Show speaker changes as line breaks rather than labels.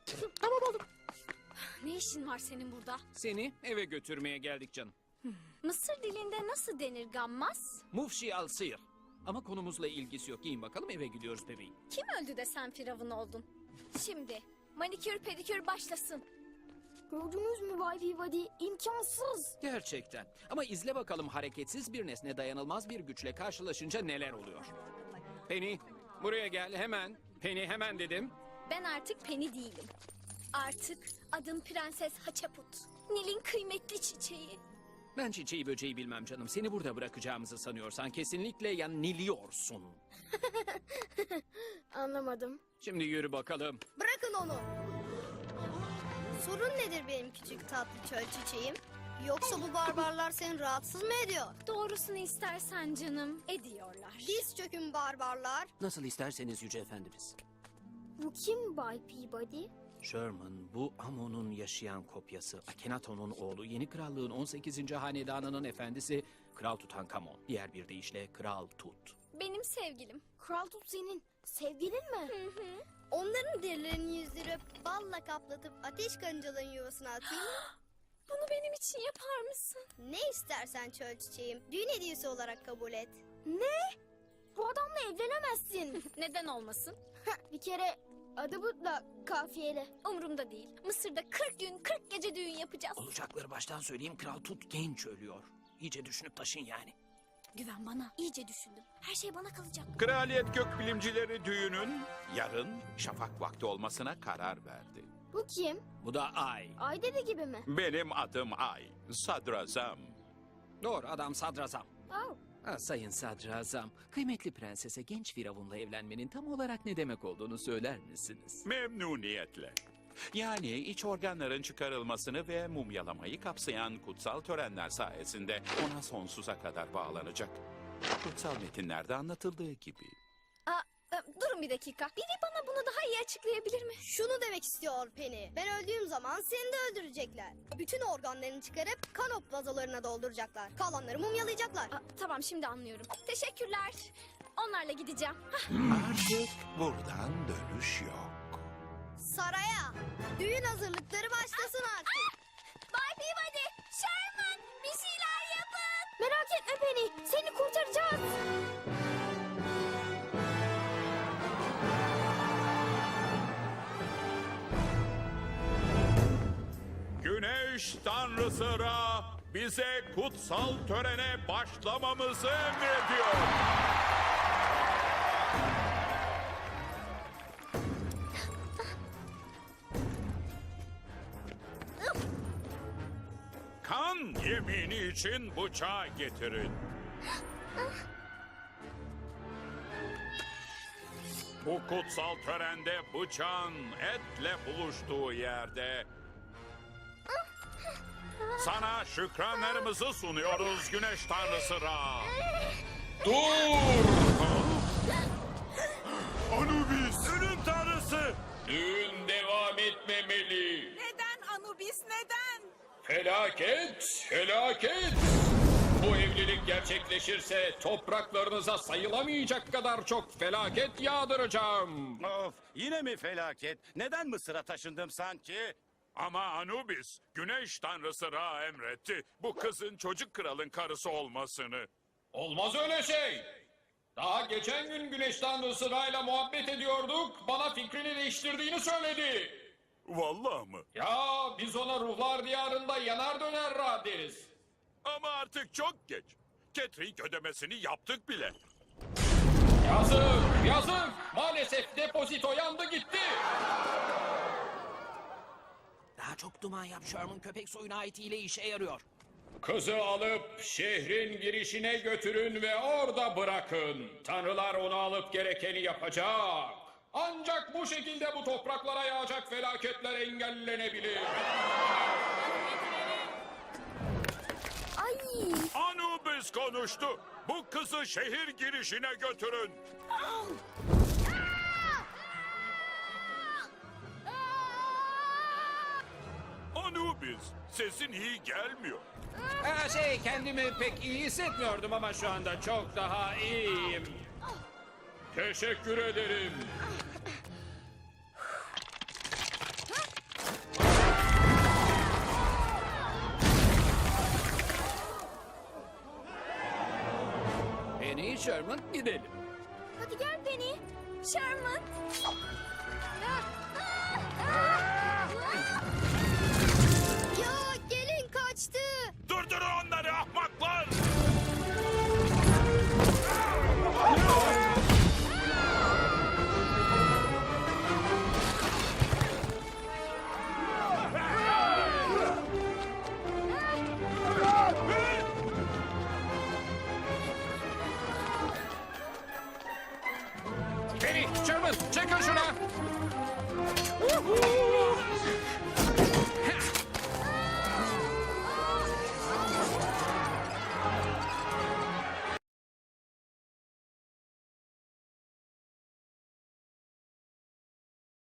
Tamam oğlum.
Ne işin var senin burada?
Seni eve götürmeye geldik canım.
Mısır dilinde nasıl denir gammaz?
Mufşi al sıyır. Ama konumuzla ilgisi yok. Giyin bakalım, eve gidiyoruz bebeğim.
Kim öldü de sen firavun oldun? Şimdi manikür pedikür başlasın.
Gördünüz mü Bay Peabody? İmkansız.
Gerçekten. Ama izle bakalım, hareketsiz bir nesne dayanılmaz bir güçle karşılaşınca neler oluyor. Penny, buraya gel hemen. Penny, hemen dedim.
Ben artık Penny değilim. Artık adım Prenses Haçaput. Nil'in kıymetli çiçeği.
Ben çiçeği böceği bilmem canım. Seni burada bırakacağımızı sanıyorsan kesinlikle yanılıyorsun.
Anlamadım.
Şimdi yürü bakalım.
Bırakın onu. Sorun nedir benim küçük tatlı çöl çiçeğim? Yoksa bu barbarlar seni rahatsız mı ediyor?
Doğrusunu istersen canım ediyorlar.
Diz çökün barbarlar.
Nasıl isterseniz Yüce Efendimiz.
Bu kim Bay Peabody?
Sherman, bu Amon'un yaşayan kopyası. Akhenaton'un oğlu, yeni krallığın 18. hanedanının efendisi Kral Tutankamon. Diğer bir deyişle Kral Tut.
Benim sevgilim.
Kral Tut senin sevgilin mi?
Onların derilerini yüzdürüp balla kaplatıp ateş karıncaların yuvasına atayım mı?
Bunu benim için yapar mısın?
Ne istersen çöl çiçeğim. Düğün hediyesi olarak kabul et.
Ne? Bu adamla evlenemezsin.
Neden olmasın?
Bir kere adı But'la kafiyeli.
Umurumda değil. Mısır'da 40 gün 40 gece düğün yapacağız.
Olacakları baştan söyleyeyim, Kral Tut genç ölüyor. İyice düşünüp taşın yani.
Güven bana. İyice düşündüm. Her şey bana kalacak.
Kraliyet gökbilimcileri düğünün yarın şafak vakti olmasına karar verdi.
Bu kim?
Bu da Ay.
Ay dede gibi mi?
Benim adım Ay, sadrazam.
Doğru, adam sadrazam.
Oh.
Sayın sadrazam, kıymetli prensese genç firavunla evlenmenin tam olarak ne demek olduğunu söyler misiniz?
Memnuniyetle. Yani iç organların çıkarılmasını ve mumyalamayı kapsayan kutsal törenler sayesinde ona sonsuza kadar bağlanacak. Kutsal metinlerde anlatıldığı gibi.
Durun bir dakika. Biri bana bunu daha iyi açıklayabilir mi?
Şunu demek istiyor Penny. Ben öldüğüm zaman seni de öldürecekler. Bütün organlarını çıkarıp kanop vazolarına dolduracaklar. Kalanları mumyalayacaklar.
Tamam, şimdi anlıyorum. Teşekkürler. Onlarla gideceğim.
Artık buradan dönüş yok.
Saraya. Düğün hazırlıkları başlasın artık.
Bay Peabody, Sherman, bir şeyler yapın.
Merak etme Penny. Seni kurtaracağız.
Güneş tanrısı Ra bize kutsal törene başlamamızı emrediyor. Kan yemini için bıçağı getirin. Bu kutsal törende bıçağın etle buluştuğu yerde sana şükranlarımızı sunuyoruz Güneş Tanrısı Ra. Dur! Anubis! Ölüm Tanrısı! Düğün devam etmemeli.
Neden Anubis, neden?
Felaket, felaket! Bu evlilik gerçekleşirse topraklarınıza sayılamayacak kadar çok felaket yağdıracağım.
Of, yine mi felaket? Neden Mısır'a taşındım sanki?
Ama Anubis, Güneş Tanrısı Ra emretti bu kızın çocuk kralın karısı olmasını.
Olmaz öyle şey. Daha geçen gün Güneş Tanrısı Ra'yla muhabbet ediyorduk. Bana fikrini değiştirdiğini söyledi.
Vallahi mı?
Ya biz ona ruhlar diyarında yanar döner Ra deriz.
Ama artık çok geç. Catering ödemesini yaptık bile.
Yazık, yazık. Maalesef depozito yandı gitti.
Daha çok duman yap Sherman, köpek soyuna ait hile işe yarıyor.
Kızı alıp şehrin girişine götürün ve orada bırakın. Tanrılar onu alıp gerekeni yapacak. Ancak bu şekilde bu topraklara yağacak felaketler engellenebilir.
Ay.
Anubis konuştu. Bu kızı şehir girişine götürün. Anubis, sesin iyi gelmiyor.
Kendimi pek iyi hissetmiyordum ama şu anda çok daha iyiyim.
Teşekkür ederim.
Sherman gidelim.
Hadi gel Penny. Sherman.
Ya gelin kaçtı.
Durdurun onları ahmaklar!
Penny, Sherman, çekin şuna.